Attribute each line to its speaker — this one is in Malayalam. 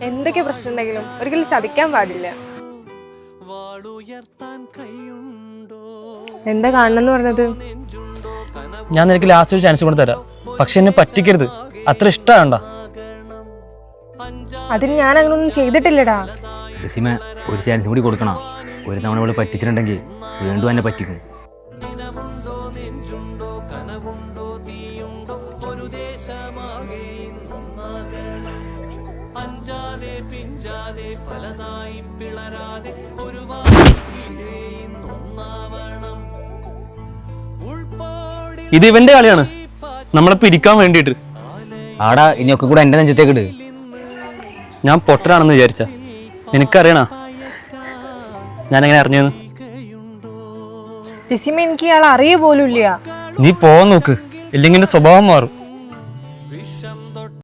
Speaker 1: എന്തൊക്കെ പ്രശ്നം ഉണ്ടെങ്കിലും ഒരിക്കലും ചതിക്കാൻ പാടില്ല. എന്താ കാണണമെന്ന് പറഞ്ഞത്?
Speaker 2: ഞാൻ നിനക്ക് ലാസ്റ്റ് ഒരു ചാൻസ് കൊണ്ട് തരാം, പക്ഷെ എന്നെ പറ്റിക്കരുത്. അത്ര ഇഷ്ടമാണ്ട.
Speaker 1: അതിന് ഞാൻ അങ്ങനൊന്നും ചെയ്തിട്ടില്ലടാ.
Speaker 3: ജസീമ, ഒരു ചാൻസ് കൂടി കൊടുക്കണം. ഒരു തവണ ഇവിടെ പറ്റിച്ചിട്ടുണ്ടെങ്കിൽ വീണ്ടും എന്നെ പറ്റിക്കും.
Speaker 2: ഇത് ഇവന്റെ കളിയാണ്, നമ്മളെ പിരിക്കാൻ വേണ്ടിയിട്ട്.
Speaker 3: ആടാ, ഇനിയൊക്കെ കൂടെ എൻ്റെ നെഞ്ചത്തേക്ക് ഇട്.
Speaker 2: ഞാൻ പൊട്ടനാണെന്ന് വിചാരിച്ച? നിനക്കറിയണ ഞാൻ എങ്ങനെ അറിഞ്ഞെന്ന്?
Speaker 1: ജസീമ, എനിക്ക് ഇയാൾ അറിയ പോലും ഇല്ല.
Speaker 2: നീ പോവാൻ നോക്ക്, ഇല്ലെങ്കിൽ എന്റെ സ്വഭാവം മാറും.